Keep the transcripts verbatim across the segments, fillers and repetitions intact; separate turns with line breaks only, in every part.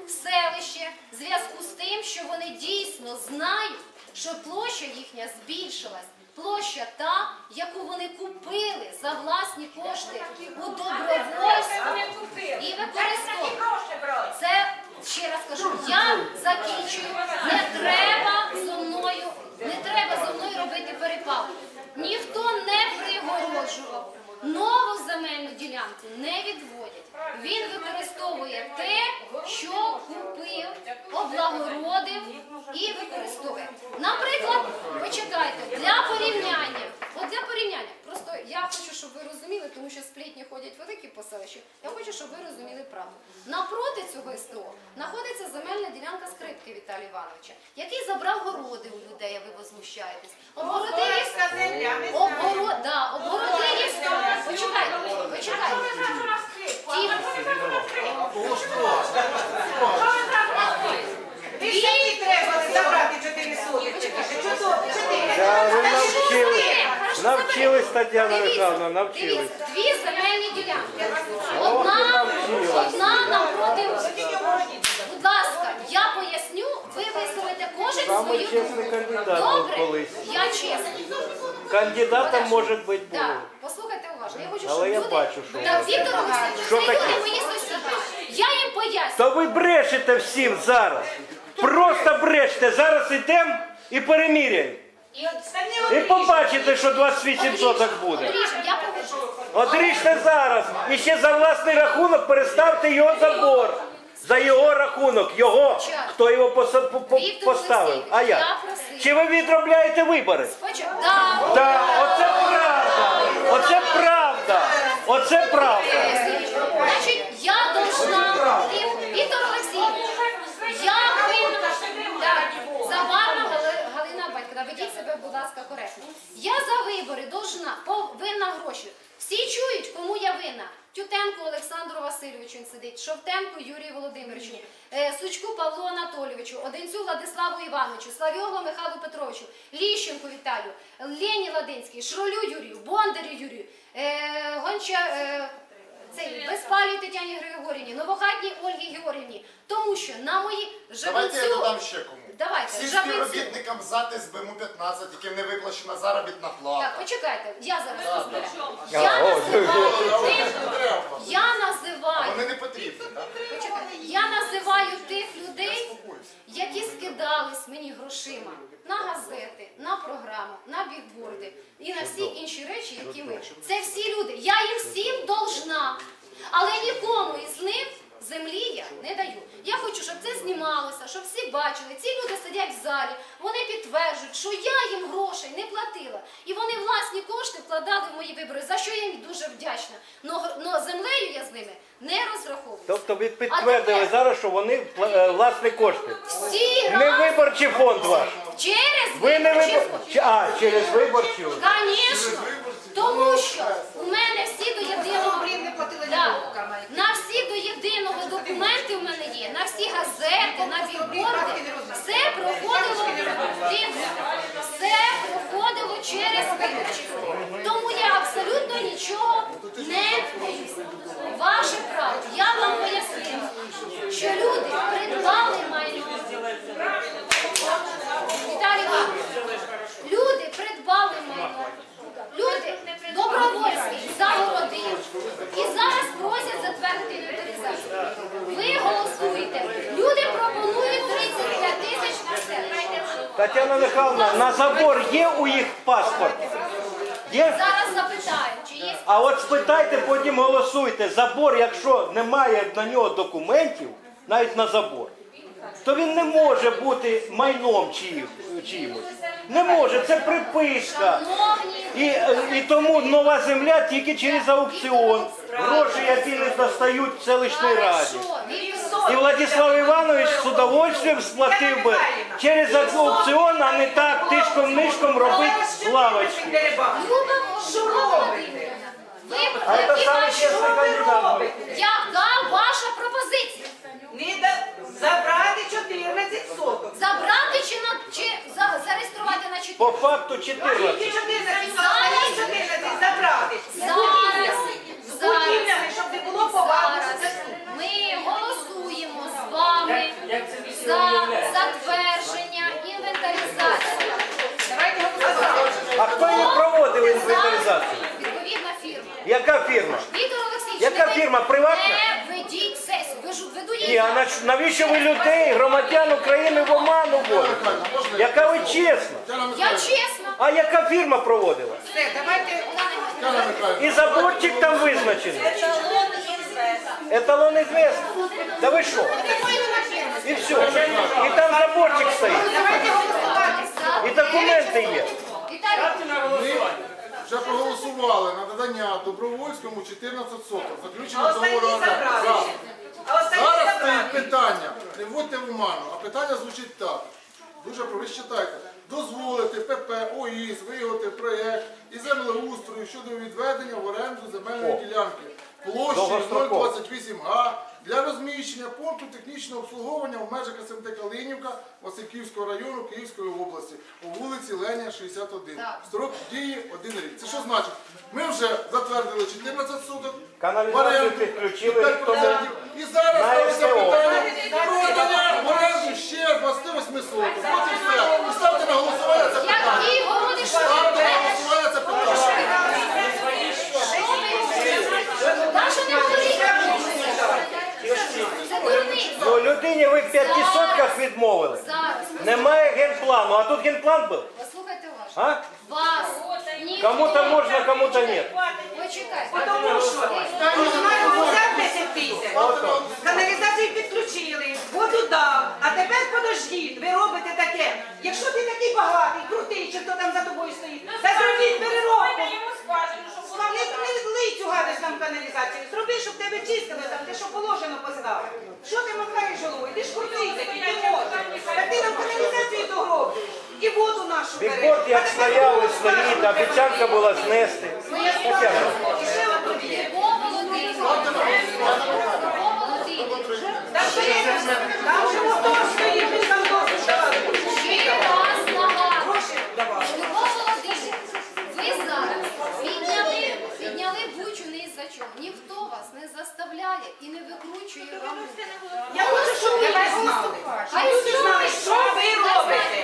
в селище в зв'язку з тим, що вони дійсно знають, що площа їхня збільшилась. Площа та, яку вони купили за власні кошти у добровольство і використовували. Це, ще раз кажу, я закінчую, не треба зо мною, не треба зо мною робити перепалку. Ніхто не пригороджував, нову земельну ділянку не відводять. Він використовує те, що купив, облагородив і використовує. Наприклад, почекайте, для порівняння, от для порівняння, просто я хочу, щоб ви розуміли, тому що сплетні ходять великі по селищу, я хочу, щоб ви розуміли правду. Напроти цього СТО знаходиться земельна ділянка Скрипки Віталія Івановича, який забрав городи у людей, а ви возмущаєтесь. Обгородив, обгород, да, обгородив, почекайте, почекайте.
Ви ж таки треба забрати чотири сотки.
Ви навчились, навчились, Тетяна Михайловна, навчились.
Дивіться, дві земельні ділянки. Одна, одна напроти. Будь ласка, я поясню, ви висловите кожен
Самый
свою
честный
думку.
кандидат был
Добре,
колись.
я чесний.
Кандидатом може бути було.
Так, послухайте уважно. Я хочу, щоб
Але я
люди...
бачу, що
Так,
ви-
Віктор Олексійович,
Що
це
таке?
люди мої сусіди. Я їм поясню.
Та ви брешете всім зараз. Просто брешете. Зараз йдемо і переміряємо. І побачите, що двадцять вісім соток буде.
Одріжемо, я погоджуюсь.
Одріжте зараз. І ще за власний рахунок переставте його забор. За його рахунок. Його. Хто його поса- по- по-
Віктор
поставив?
Олексійович,
А
я
я.
просила.
Чи ви відробляєте вибори?
Спочатку. Так.
Так, оце правда. Оце правда. Оце правда.
Значить, я должна, Віктор Олексійович, я винна, так, Заварна Гали- Галина Батьківна, ведіть себе, будь ласка, коректно. Я за вибори должна, винна гроші. Всі чують, кому я винна. Тютенку Олександру Васильовичу він сидить, Шовтенку Юрію Володимировичу, е, Сучку Павлу Анатолійовичу, Одинцю Владиславу Івановичу, Славйоглу Михайлу Петровичу, Ліщенку Віталію, Лені Ладинській, Шролю Юрію, Бондарю Юрію, е, Гонча... Е, цей Безпалій Тетяні Григорівні, Новохатній Ольгі Георгіївні, тому що на мої
Давайте я
Жабинцю...
додам ще кому.
Давайте,
Всім
Жабинцю...
співробітникам ЗАТ СБМУ п'ятнадцять, яким не виплачена заробітна плата.
Так, почекайте, я зараз розберу.
А,
Я
о,
називаю тих,
Не треба.
я називаю,
Вони не потрібні, так?
почекайте, я називаю тих людей, які скидались мені грошима на газети, на програму, на бігборди і на всі інші речі, які ми. Це всі люди. Я їм всім должна. Але нікому із них землі я не даю. Я хочу, щоб це знімалося, щоб всі бачили. Ці люди сидять в залі, вони підтверджують, що я їм грошей не платила. І вони власні кошти вкладали в мої вибори, за що я їм дуже вдячна. Но землею я з ними не розраховуюся.
Тобто ви підтвердили зараз, що вони е, власні кошти.
Всі
Не
раз
виборчий фонд ваш.
через
Ви не
виборчий
вибор...
фонд.
Чи- А, через виборчі.
Звісно, тому що у мене всі до єдиного, да, на всі до єдиного документи в мене є, на всі газети, на бігборди, все проходило, все проходило через виборчий фонд. Тому я абсолютно нічого не боюся. Ваше право, я вам пояснила, що люди придбали майно. Віталій Іванович, люди придбали майно. Люди добровольський загородив і зараз просять затвердити інвентаризацію. Ви голосуєте. Люди пропонують тридцять п'ять тисяч на селище.
Тетяна Михайловна, на забор є у їх паспорт? Є?
Зараз запитаю, чи є.
А от спитайте, потім голосуйте. Забор, якщо немає на нього документів, навіть на забор, то він не може бути майном чиїмось. Не може, це приписка. І, і тому нова земля тільки через аукціон. Гроші, які не достають в селищній раді. І Владислав Іванович з удовольствием сплатив би через аукціон, а не так тишком-нишком робити лавочки.
Люба Володимирівна, ви
А це
які
саме
ваші-
чесний кандидат.
яка ваша пропозиція?
Не да- забрати чотирнадцять соток.
Забрати чи, на, чи за, зареєструвати на чотири?
По факту
Які
чотирнадцять.
чотирнадцять соток, чотирнадцять забрати. З
Зараз,
будівлями, з
зараз,
будівлями, щоб не було поваги.
зараз ми голосуємо з вами затвердження інвентаризації.
Давайте голосувати.
А хто її проводив інвентаризацію?
Відповідна фірма.
Яка фірма?
Віктор Олексійович,
Яка
не ви-
фірма? Приватна?
Не ведіть сесію. Ви ж веду її.
Ні, а нач- навіщо ви людей, громадян України в оману вводите? Яка ви чесна?
Я чесно.
А яка фірма проводила?
Все, давайте.
Тетяна Михайлівна,
І заборчик там визначений. Еталон известный. Да ви що? І все. І там заборчик стоїть.
Давайте голосувати.
І документи є.
Віталій,
ми вже проголосували на надання Добровольському чотирнадцять соток.
А
Заключено
останні
договору оренди.
забрали.
Зараз.
А останні
Зараз
забрали.
стоїть питання, не вводьте в оману, а питання звучить так. Дуже про- ви читайте. Дозволити ПП, ОІС, виготовити проєкт і землеустрою щодо відведення в оренду земельної
О.
ділянки площею
Довгостроково.
нуль двадцять вісім га для розміщення пункту технічного обслуговування в межах СМТ Калинівка Васильківського району Київської області по вулиці Леня, шістдесят один.
Так.
Строк дії один рік. Це що значить? Ми вже затвердили чотирнадцять суток.
Каналізацію
в оренду,
підключили
п'ять
рік тому.
процентів. І зараз
На
ставиться
ес те о.
питання про надання в оренду ще двадцять восьми соток. От і все. І ставте на голосування це питання.
який городиш?
Ставте на голосування це питання.
Даша не говорить. Це дурниця.
Ну, людині ви в п'яти сотках відмовили.
Зараз.
Немає генплану, а тут генплан був.
Послухайте уважно.
А?
Вас ніхто...
Кому-то можна, кому-то ні.
Почекайте.
Тому що комунальному взяв десять тисяч, каналізацію підключили, воду дав, а тепер подождіть, ви робите таке. Якщо ти такий багатий, крутий, чи хто там за тобою стоїть, та зробіть переробку. Не, не лий цю гадость нам в каналізацію, зроби, щоб тебе чистили там, те, що положено постав. Що ти махаєш головою? Ти ж крутий такий, ти можеш. Так ти нам каналізацію догробиш. І воду нашу береш.
Бігборд як
А тепер
стояли,
воду
стоїть,
скажеш.
обіцянка була знести. Тетяна.
І ще одну є.
Любов Володимирівна. Любов Володимирівна.
Там ще є, там же мотор стоїть, він там досить давати.
Ще раз нагадую.
Гроші давати.
Любов Володимирівна, ви зараз підняли, підняли бучу не із-за чого. Ніхто вас не заставляє і не викручує вам.
Я хочу, щоб ви знали. Щоб люди знали, що ви робите.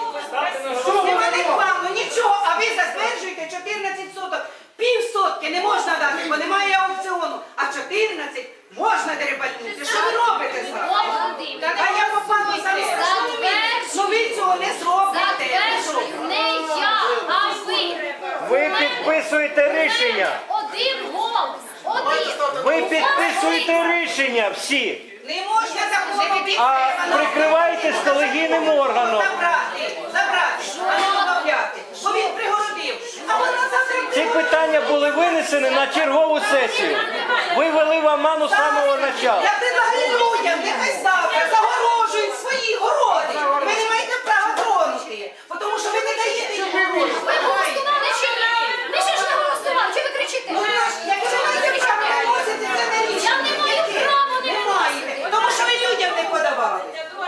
Нема рекламу, нічого, а ви затверджуєте чотирнадцять соток. Пів сотки не можна дати, бо немає аукціону. А чотирнадцять можна дерибанути. Що ви робите
Любов
зараз?
Володимирівна,
А я попаду за Ну ви цього не зробите.
затверджую не я, а ви.
Ви підписуєте рішення.
Один голос. Один.
Ви підписуєте рішення всі.
Не можна заходити.
А прикриваєтесь колегійним органом.
Забрати, забрати, а не добавляти. Бо він пригородив. А вона завтра
Ці питання були винесені на чергову сесію. Ви вели в оману з самого початку.
Я предлагаю людям, нехай завтра загорожують свої городи. Ви не маєте права тронути, тому що ви не даєте їм гроші.
Ви голосували чи ні? Ви ще ж не голосували. Чого ви кричите?
Ну, якщо ви маєте право виносити, це не рішення.
Я не маю права не
Не маєте, тому що ви людям не подавали.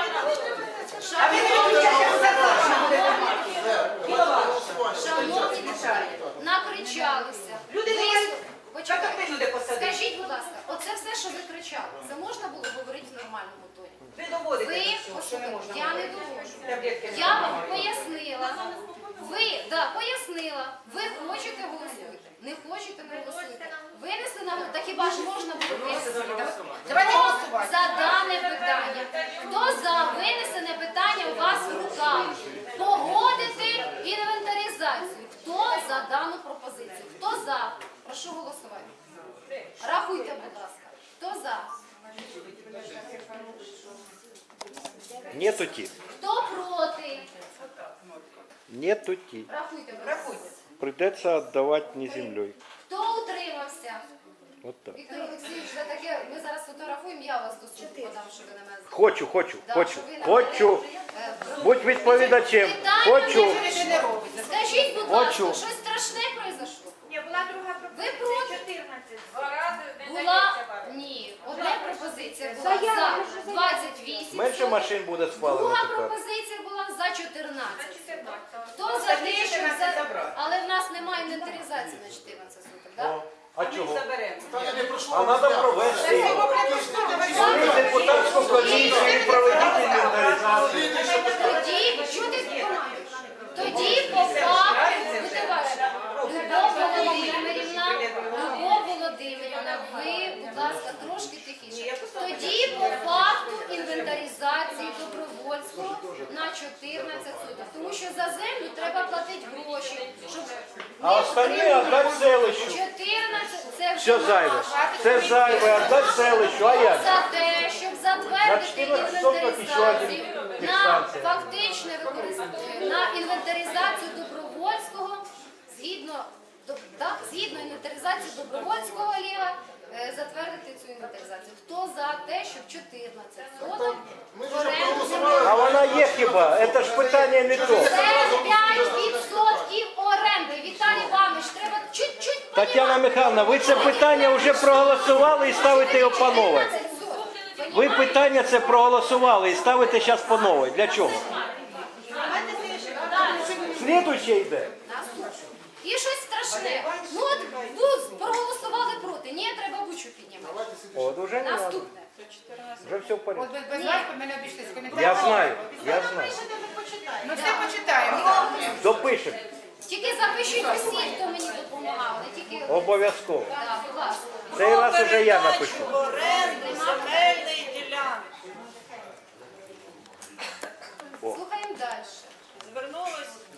А ви не виключаєте зарплату будете.
Шановні депутати, накричалися.
Люди не
Ви-
мають.
Почекайте.
Так ти люди посадили.
Скажіть, будь ласка, оце все, що ви кричали, це можна було говорити в нормальному тоні?
Ви доводите
Ви,
до цього, що не
послухайте,
можна.
я не доводжу.
Таблетки не
Я вам
допомагають.
пояснила. Ви, да, пояснила. Ви хочете голосуйте. Не хочете, не голосуйте. Винесли на голосування. Так хіба ж можна було винести?
Давайте
Хто
голосувати.
за дане питання? Хто за винесене питання у вас в руках? Погодити інвентаризацію. Хто за дану пропозицію? Хто за? Прошу голосувати. Рахуйте, будь ласка. Хто за?
Нету ті.
Хто проти?
Нету ті.
Рахуйте, будь ласка.
Придеться віддавати не землею.
Хто утримався?
От так.
Віктор Олексійович, за таке, ми зараз фотографуємо, я вас до суду подам, що ви на мене...
Хочу, хочу,
Да,
хочу,
що ви на
хочу.
мене, е,
Будь відповідачем.
Питання
Хочу.
не
не робите.
Скажіть, будь
Хочу.
ласка, щось страшне произошло?
Ні, була друга
Ви
пропозиція
проти?
чотирнадцять. Два рази не
Була?
дається вам.
Ні. Одна пропозиція була за двадцять вісім.
Менше машин буде спалено
Друга
тепер.
пропозиція була за чотирнадцять.
чотирнадцять.
Хто за те, що це... Але в нас немає інвентаризації на чотирнадцять суток, так?
О, а чого?
Заберемо.
Питання не пройшло.
А треба провести. Створіть депутатську комісію і проведіть інвентаризацію.
інвентаризації Добровольського на чотирнадцять соток. Тому що за землю треба платити гроші, щоб
А остальне віддати селищу.
чотирнадцять це
Все
вже
зайве.
наше.
Це зайве, віддати селищу. А як?
За те, щоб
На
затвердити
чотирнадцять соток і ще один
інвентаризацію на
підстанція.
фактичне використання, на інвентаризацію Добровольського, згідно, до- так, згідно інвентаризації Добровольського Лєва, е, затвердити цю інвентаризацію. Хто за те, щоб чотирнадцять соток
Ми
в
ж вже
оренду
проголосували.
А вона є хіба? Це ж питання не то.
Це п'ять відсотків оренди. Віталій Іванович, треба чуть-чуть
Тетяна Михайловна, ви це питання вже проголосували і ставите його по нове. Ви питання це проголосували і ставите зараз по нове. Для чого? Слідуюче йде.
І щось страшне. Ну от тут проголосували проти. Ні, треба бучу піднімати.
От уже не треба.
Наступне.
Вже все в порядку.
От без, без вас ми не обійшлися. коментарі.
Я знаю, я знаю.
Ну все почитаємо.
Допишемо.
Тільки запишіть усі, хто мені допомагав, не тільки
Обов'язково.
Так, будь ласка.
Цей раз уже я напишу.
Оренди земельної ділянки.
Слухаємо далі.
Звернулось